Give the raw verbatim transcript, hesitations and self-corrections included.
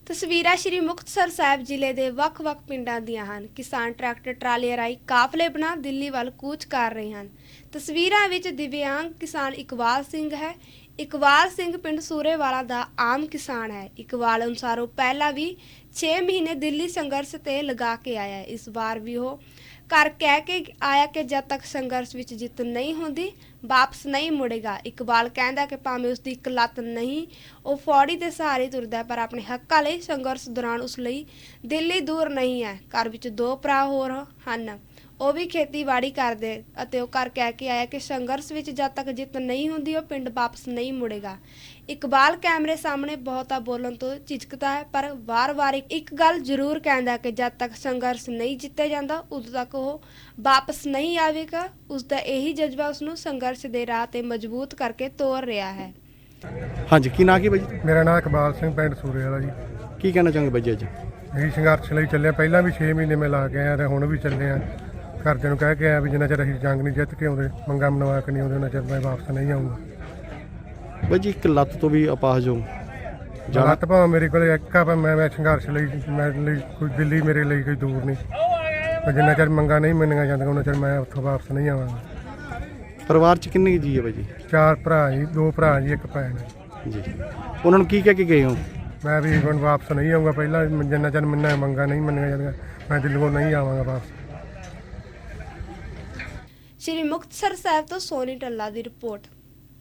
ਤਸਵੀਰਾਂ ਸ਼੍ਰੀ ਮੁਕਤਸਰ ਸਾਹਿਬ ਜ਼ਿਲ੍ਹੇ ਦੇ ਵੱਖ-ਵੱਖ ਪਿੰਡਾਂ ਦੀਆਂ ਹਨ। ਕਿਸਾਨ ਟਰੈਕਟਰ ਟਰਾਲੀਆਂ ਰਾਹੀਂ ਕਾਫਲੇ ਬਣਾ ਦਿੱਲੀ ਵੱਲ ਕੂਚ ਕਰ ਰਹੇ ਹਨ। ਤਸਵੀਰਾਂ ਵਿੱਚ ਦਿਵਿਆਂਗ ਕਿਸਾਨ ਇਕਬਾਲ ਸਿੰਘ ਹੈ। ਇਕਬਾਲ ਸਿੰਘ ਪਿੰਡ ਸੂਰੇਵਾਲਾ ਦਾ ਆਮ ਕਿਸਾਨ ਹੈ। ਇਕਬਾਲ ਅਨੁਸਾਰ ਉਹ ਪਹਿਲਾਂ ਵੀ ਛੇ ਮਹੀਨੇ ਦਿੱਲੀ ਸੰਘਰਸ਼ ਤੇ ਲਗਾ ਕੇ ਆਇਆ ਹੈ। ਇਸ ਵਾਰ ਵੀ ਉਹ ਘਰ ਕਹਿ ਕੇ ਆਇਆ ਕਿ ਜਦ ਤੱਕ ਸੰਘਰਸ਼ ਵਿੱਚ ਜਿੱਤ ਨਹੀਂ ਹੁੰਦੀ ਵਾਪਸ ਨਹੀਂ ਮੁੜੇਗਾ। ਇਕਬਾਲ ਕਹਿੰਦਾ ਕਿ ਭਾਵੇਂ ਉਸ ਦੀ ਇੱਕ ਲੱਤ ਨਹੀਂ, ਉਹ ਫੌੜੀ ਦੇ ਸਹਾਰੇ ਤੁਰਦਾ, ਪਰ ਆਪਣੇ ਹੱਕਾਂ ਲਈ ਸੰਘਰਸ਼ ਦੌਰਾਨ ਉਸ ਲਈ ਦਿੱਲੀ ਦੂਰ ਨਹੀਂ ਹੈ। ਘਰ ਵਿੱਚ ਦੋ ਭਰਾ ਹੋਰ ਹਨ, ਉਹ ਵੀ ਖੇਤੀਬਾੜੀ ਕਰਦੇ ਅਤੇ ਉਹ ਘਰ ਕਹਿ ਕੇ ਆਇਆ ਕਿ ਸੰਘਰਸ਼ ਵਿੱਚ ਜਦ ਤੱਕ ਜਿੱਤ ਨਹੀਂ ਹੁੰਦੀ ਉਹ ਪਿੰਡ ਵਾਪਸ ਨਹੀਂ ਮੁੜੇਗਾ। ਇਕਬਾਲ ਕੈਮਰੇ ਸਾਹਮਣੇ ਬਹੁਤਾ ਬੋਲਣ ਤੋਂ ਝਿਜਕਦਾ ਹੈ, ਪਰ ਵਾਰ-ਵਾਰ ਇੱਕ ਗੱਲ ਜ਼ਰੂਰ ਕਹਿੰਦਾ ਕਿ ਜਦ ਤੱਕ ਸੰਘਰਸ਼ ਨਹੀਂ ਜਿੱਤਿਆ ਜਾਂਦਾ ਉਦੋਂ ਤੱਕ ਉਹ ਵਾਪਸ ਨਹੀਂ ਆਵੇਗਾ। ਉਸ ਦਾ ਇਹੀ ਜਜ਼ਬਾ ਉਸ ਨੂੰ ਸੰਘਰਸ਼ ਦੇ ਰਾਹ ਤੇ ਮਜ਼ਬੂਤ ਕਰਕੇ ਤੋਰ ਰਿਹਾ ਹੈ। ਹਾਂਜੀ, ਕੀ ਨਾਂ ਕੀ ਬਾਈ ਜੀ? ਮੇਰਾ ਨਾਮ ਇਕਬਾਲ ਸਿੰਘ, ਪਿੰਡ ਸੂਰੇ ਵਾਲਾ ਜੀ। ਕੀ ਕਹਿਣਾ ਚਾਹੋਗੇ ਬਾਈ ਜੀ ਅੱਜ? ਇਹੀ ਸੰਘਰਸ਼ ਲਈ ਚੱਲੇ, ਪਹਿਲਾਂ ਵੀ ਛੇ ਮਹੀਨੇ ਮੈਂ ਲਾ ਕੇ ਆਇਆ ਤੇ ਹੁਣ ਵੀ ਚੱਲੇ ਆ। ਘਰਦਿਆਂ ਨੂੰ ਕਹਿ ਕੇ ਆਇਆ ਵੀ ਜਿੰਨਾ ਚਿਰ ਅਸੀਂ ਜੰਗ ਨਹੀਂ ਜਿੱਤ ਕੇ ਆਉਂਦੇ, ਮੰਗਾਂ ਮਨਵਾ ਕੇ ਨਹੀਂ ਆਉਂਦੇ, ਉਹਨਾਂ ਚਿਰ ਮੈਂ ਵਾਪਸ ਨਹੀਂ ਆਊਂਗਾ। ਬਾਈ ਜੀ, ਇੱਕ ਲੱਤ ਤੋਂ ਵੀ ਅਪਾਹਜ ਹੋ ਲੱਤ ਭਾਵੇਂ ਮੇਰੇ ਕੋਲ ਇੱਕ ਆ, ਪਰ ਮੈਂ ਮੈਂ ਸੰਘਰਸ਼ ਲਈ ਮੈਂ ਲਈ ਕੋਈ ਦਿੱਲੀ ਮੇਰੇ ਲਈ ਕੋਈ ਦੂਰ ਨਹੀਂ। ਪਰ ਜਿੰਨਾ ਚਿਰ ਮੰਗਾਂ ਨਹੀਂ ਮੰਨੀਆਂ ਜਾਂਦੀਆਂ ਉਹਨਾਂ ਚਿਰ ਮੈਂ ਉੱਥੋਂ ਵਾਪਸ ਨਹੀਂ ਆਵਾਂਗਾ। ਪਰਿਵਾਰ 'ਚ ਕਿੰਨੇ ਜੀ ਹੈ ਬਾਈ ਜੀ? ਚਾਰ ਭਰਾ ਜੀ, ਦੋ ਭਰਾ ਜੀ, ਇੱਕ ਭੈਣ ਜੀ। ਉਹਨਾਂ ਨੂੰ ਕੀ ਕਹਿ ਕੇ ਗਏ ਹੋ? ਮੈਂ ਵੀ ਹੁਣ ਵਾਪਸ ਨਹੀਂ ਆਊਂਗਾ। ਪਹਿਲਾਂ ਜਿੰਨਾ ਚਿਰ ਮੈਨੂੰ ਮੰਗਾਂ ਨਹੀਂ ਮੰਨੀਆਂ ਜਾਂਦੀਆਂ ਮੈਂ ਦਿੱਲੀੋਂ ਨਹੀਂ ਆਵਾਂਗਾ ਵਾਪਸ। ਸ਼੍ਰੀ ਮੁਕਤਸਰ ਸਾਹਿਬ ਤੋਂ ਸੋਨੀ ਟੱਲਾ ਦੀ ਰਿਪੋਰਟ।